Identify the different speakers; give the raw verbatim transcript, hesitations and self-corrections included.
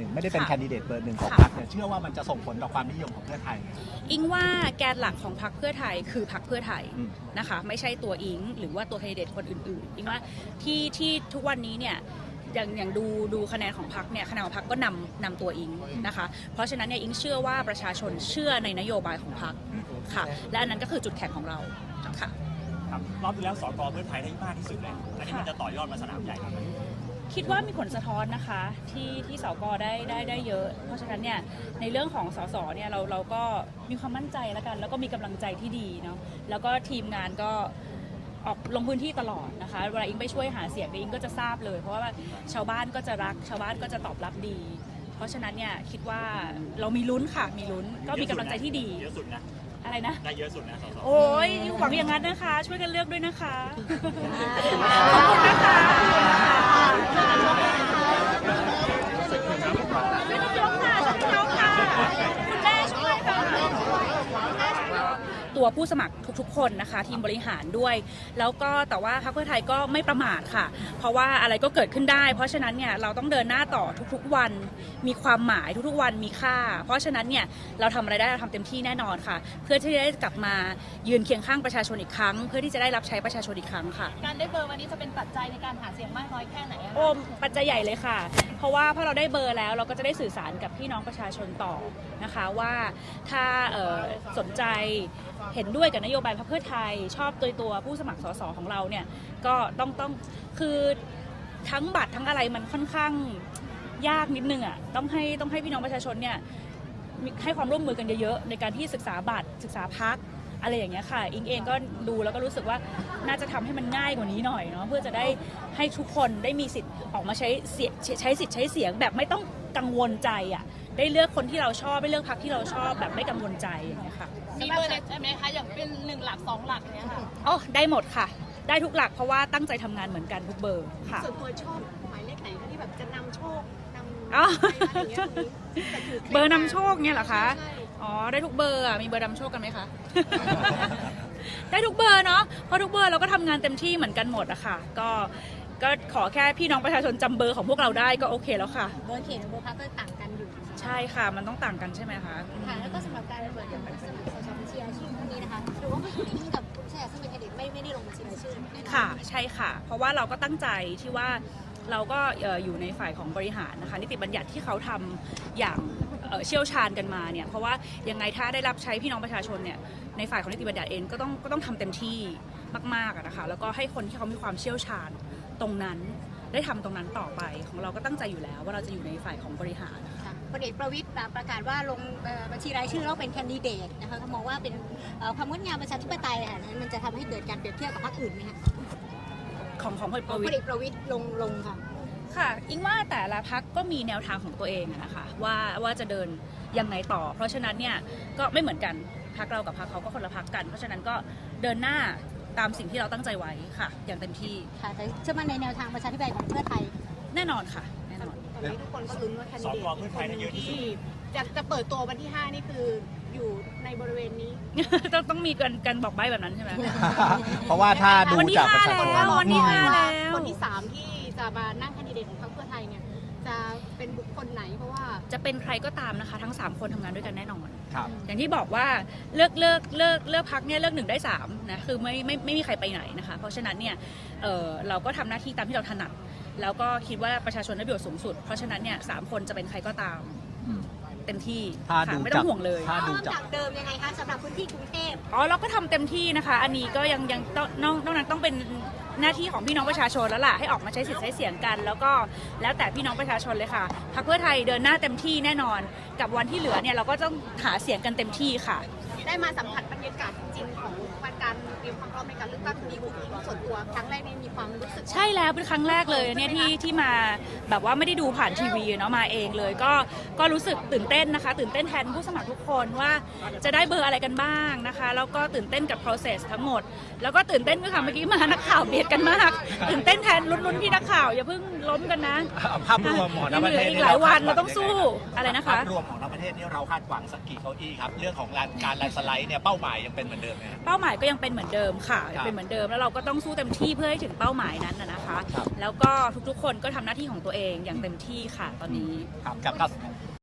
Speaker 1: ไม่ได้เป็นแคนดิเดตเบอร์หนึ่งของพรรคเนี่ยเชื่อว่ามันจะส่งผลต่อความนิยมของเพื่อไทย
Speaker 2: อิงว่าแกนหลักของพรรคเพื่อไทยคือพรรคเพื่อไทยนะคะไม่ใช่ตัวอิงหรือว่าตัวแคนดิเดตคนอื่นๆอิงว่าที่ที่ทุกวันนี้เนี่ยอย่างอย่างดูดูคะแนนของพรรคเนี่ยคะแนนของพรรคก็นำนำตัวอิงนะคะเพราะฉะนั้นเนี่ยอิงเชื่อว่าประชาชนเชื่อในนโยบายของพรรคค่ะและอันนั้นก็คือจุดแข็งของเราค่ะ
Speaker 3: ครับรอบที่แล้วสกเพื่อไทยได้มากที่สุดเลยอันนี้มันจะต่อยอดมาสนามใหญ่ครับ
Speaker 2: คิดว่ามีผลสะท้อนนะคะที่ที่สกได้ได้ได้เยอะเพราะฉะนั้นเนี่ยในเรื่องของสสเนี่ยเราเราก็มีความมั่นใจแล้วกันแล้วก็มีกำลังใจที่ดีเนาะแล้วก็ทีมงานก็ออกลงพื้นที่ตลอดนะคะเวลาอิงไปช่วยหาเสียงอิงก็จะทราบเลยเพราะว่าชาวบ้านก็จะรักชาวบ้านก็จะตอบรับดีเพราะฉะนั้นเนี่ยคิดว่าเรามีลุ้นค่ะมีลุ้นก็มีกำลังใจที่ดี
Speaker 3: เยอะสุดนะ
Speaker 2: อะไรนะ
Speaker 3: ได้เยอะสุดนะสส
Speaker 2: โอ้ยหวังอย่างนั้นนะคะช่วยกันเลือกด้วยนะคะขอบคุณนะคะตัวผู้สมัครทุกๆคนนะคะทีมบริหารด้วยแล้วก็แต่ว่าพรรคเพื่อไทยก็ไม่ประมาทค่ะเพราะว่าอะไรก็เกิดขึ้นได้เพราะฉะนั้นเนี่ยเราต้องเดินหน้าต่อทุกๆวันมีความหมายทุกๆวันมีค่าเพราะฉะนั้นเนี่ยเราทำอะไรได้เราทำเต็มที่แน่นอนค่ะเพื่อที่จะได้กลับมายืนเคียงข้างประชาชนอีกครั้งเพื่อที่จะได้รับใช้ประชาชนอีกครั้งค่ะ
Speaker 4: การได้เบอร์วันนี้จะเป็นปัจจัยในการหาเสียงมากน้อยแค่ไหน
Speaker 2: โอ้ปัจจัยใหญ่เลยค่ะเพราะว่าพอเราได้เบอร์แล้วเราก็จะได้สื่อสารกับพี่น้องประชาชนต่อนะคะว่าถ้าสนใจเห็นด้วยกับนโยบายพรรคเพื่อไทยชอบตัวตัวผู้สมัครสสของเราเนี่ยก็ต้องต้องคือทั้งบัตรทั้งอะไรมันค่อนข้างยากนิดนึงอ่ะต้องให้ต้องให้พี่น้องประชาชนเนี่ยให้ความร่วมมือกันเยอะๆในการที่ศึกษาบัตรศึกษาพรรคอะไรอย่างเงี้ยค่ะอิงเองก็ดูแล้วก็รู้สึกว่าน่าจะทำให้มันง่ายกว่านี้หน่อยเนาะเพื่อจะได้ให้ทุกคนได้มีสิทธิ์ออกมาใช้เสียใช้สิทธิ์ใช้เสียงแบบไม่ต้องกังวลใจอ่ะได้เลือกคนที่เราชอบได้เลือกพรรคที่เราชอบแบบไม่กังวลใจอย่างเงี้ยค่ะ
Speaker 4: มีเบอร์ใช่ไหมคะอย่างเป็นหนึ่งหลักสองหลักเนี้ยค่ะ
Speaker 2: อ๋อได้หมดค่ะได้ทุกหลักเพราะว่าตั้งใจทำงานเหมือนกันทุกเบอร์ค่ะ
Speaker 4: ส่วนตัวชอบหมายเลขไหนที่แบบจะนำโชคนำ
Speaker 2: อ๋อเบอร์นำโชคเนี่ยเหรอคะอ๋อได้ทุกเบอร์อ่ะมีเบอร์นำโชคกันไหมคะได้ทุกเบอร์เนาะเพราะทุกเบอร์เราก็ทำงานเต็มที่เหมือนกันหมดอะค่ะก็ก็ขอแค่พี่น้องประชาชนจำเบอร์ของพวกเราได้ก็โอเคแล้วค่ะ
Speaker 4: เบอร์เขตกับเบอร์พรรคก็ต่างกันอยู่
Speaker 2: ใช่ค่ะมันต้องต่างกันใช่ไหมคะ
Speaker 4: ค่ะแล้วก็สำหรับการเปิดอย่างสมัครสสบัญชีรายชื่อพวกนี้นะคะหรือว่าไม่ได้กับผู้แทนซึ่งเป็นแคนดิเดตไม่ไม่ได้ลงบัญชีรายชื่อ
Speaker 2: ค่ะใช่ค่ะเพราะว่าเราก็ตั้งใจที่ว่าเราก็อยู่ในฝ่ายของบริหารนะคะนิติบัญญัติที่เขาทำอย่างเชี่ยวชาญกันมาเนี่ยเพราะว่ายังไงถ้าได้รับใช้พี่น้องประชาชนเนี่ยในฝ่ายของนิติบัญญัติเองก็ต้องก็ต้องทำเต็มที่มากๆนะคะแล้วก็ให้คนที่เขามีความเชี่ยวชาญตรงนั้นได้ทำตรงนั้นต่อไปของเราก็ตั้งใจอยู่แล้วว่าเราจะอยู่ในฝ่ายของบริหารนะคะ
Speaker 4: พลเอกประวิตรประกาศว่าลงบัญชีรายชื่อแล้วเป็นแคนดิเดตนะคะเขามองว่าเป็นความงดงามประชาธิปไตยค่ะนั้นมันจะทำให้เกิดการเปรียบเทียบกับพรรคอื่นไหมคะ
Speaker 2: ของของพลเอก
Speaker 4: ประวิตรลงลงค่ะ
Speaker 2: ค่ะอิงว่าแต่ละพรรคก็มีแนวทางของตัวเองนะคะว่าว่าจะเดินยังไงต่อเพราะฉะนั้นเนี่ยก็ไม่เหมือนกันพรรคเรากับพรรคเขาก็คนละพรรคกันเพราะฉะนั้นก็เดินหน้าตามสิ่งที่เราตั้งใจไว้ค่ะอย่างเต็มที่
Speaker 4: ค่ะแต่เชื่อมั่นในแนวทางประชาธิปไตยของเพื่อไทย
Speaker 2: แน่นอนค่ะแน่นอน
Speaker 4: ตอนนี้ทุกคนก็ลุ้นว่าแคนดิเดต
Speaker 3: เพื่อไทยเยอะที่สุด
Speaker 4: จะจะเปิดตัววันที่ห้านี่คืออยู่ในบริเวณนี้
Speaker 2: ต้องต้องมีกันกันบอกใบ้แบบนั้นใช่ไหม
Speaker 1: เพราะว่าถ้าดูจากประชาชน
Speaker 2: วันที่ห้าแล้ว
Speaker 4: คนที่สามที่จะมานั่งแคนดิเดตของพรรคเพื่อไทยเนี่ยจะเป็นบุคคลไหนเพราะว่า
Speaker 2: จะเป็นใครก็ตามนะคะทั้งสามคนทำงานด้วยกันแน่นอน
Speaker 1: ครับ
Speaker 2: อย่างที่บอกว่าเลือกเลือกเลือกเลือกพรรคเนี่ยเลือกหนึ่งได้สามนะคือไม่ไม่ไม่มีใครไปไหนนะคะเพราะฉะนั้นเนี่ยเออเราก็ทำหน้าที่ตามที่เราถนัดแล้วก็คิดว่าประชาชนได้ประโยชน์สูงสุดเพราะฉะนั้นเนี่ยสามคนจะเป็นใครก็ตามเต็มที่ไม่ต้องห่วงเลย
Speaker 4: ถ้าดูจากเดิมยังไงคะสำหรับพื้นที่กรุงเทพ
Speaker 2: อ๋อเราก็ทำเต็มที่นะคะอันนี้ก็ยังยังต้องนอกนั้นต้องเป็นหน้าที่ของพี่น้องประชาชนแล้วล่ะให้ออกมาใช้สิทธิ์ใช้เสียงกันแล้วก็แล้วแต่พี่น้องประชาชนเลยค่ะพรรคเพื่อไทยเดินหน้าเต็มที่แน่นอนกับวันที่เหลือเนี่ยเราก็ต้องหาเสียงกันเต็มที่ค่ะ
Speaker 4: ได้มาสัมผัสบรรยากาศจริงของการเตรียมความพร้อมในการเลือกตั้งดีคุณส่วนตัวครั้งแรกนี่มีความรู้สึก
Speaker 2: ใช่แล้วเป็นครั้งแรกเลยเนี่ยที่ที่มาแบบว่าไม่ได้ดูผ่านทีวีเนาะมาเองเลยก็ก็รู้สึกตื่นเต้นนะคะตื่นเต้นแทนผู้สมัครทุกคนว่าจะได้เบอร์อะไรกันบ้างนะคะแล้วก็ตื่นเต้นกับ process ทั้งหมดแล้วก็ตื่นเต้นด้วยค่ะเมื่อกี้มานักข่าวเบียดกันมากตื่นเต้นแทนลุ้นๆพี่นักข่าวอย่าเพิ่งล้มกันนะ
Speaker 1: ภาพรวมของทั้งประเทศ
Speaker 2: หลายวันเราต้องสู้อะไรนะคะ
Speaker 1: ภาพรวมของทั้งประเทศนี่เราคาดหวังสักกี่เก้าอี้ครับเรื่องของการแลนสไลด์เนี่ยเป้าหมายยังเป็นเหมือนเดิมไหมครับ
Speaker 2: เป้าหมายก็ยังเป็นเหมือนเดิมค่ะ
Speaker 1: ครับ
Speaker 2: เป็นเหมือนเดิมแล้วเราก็ต้องสู้เต็มที่เพื่อให้ถึงเป้าหมายนั้นนะนะคะ
Speaker 1: ครับ
Speaker 2: แล้วก็ทุกๆคนก็ทำหน้าที่ของตัวเองอย่างเต็มที่ค่ะตอนนี้
Speaker 1: ครับกับกับ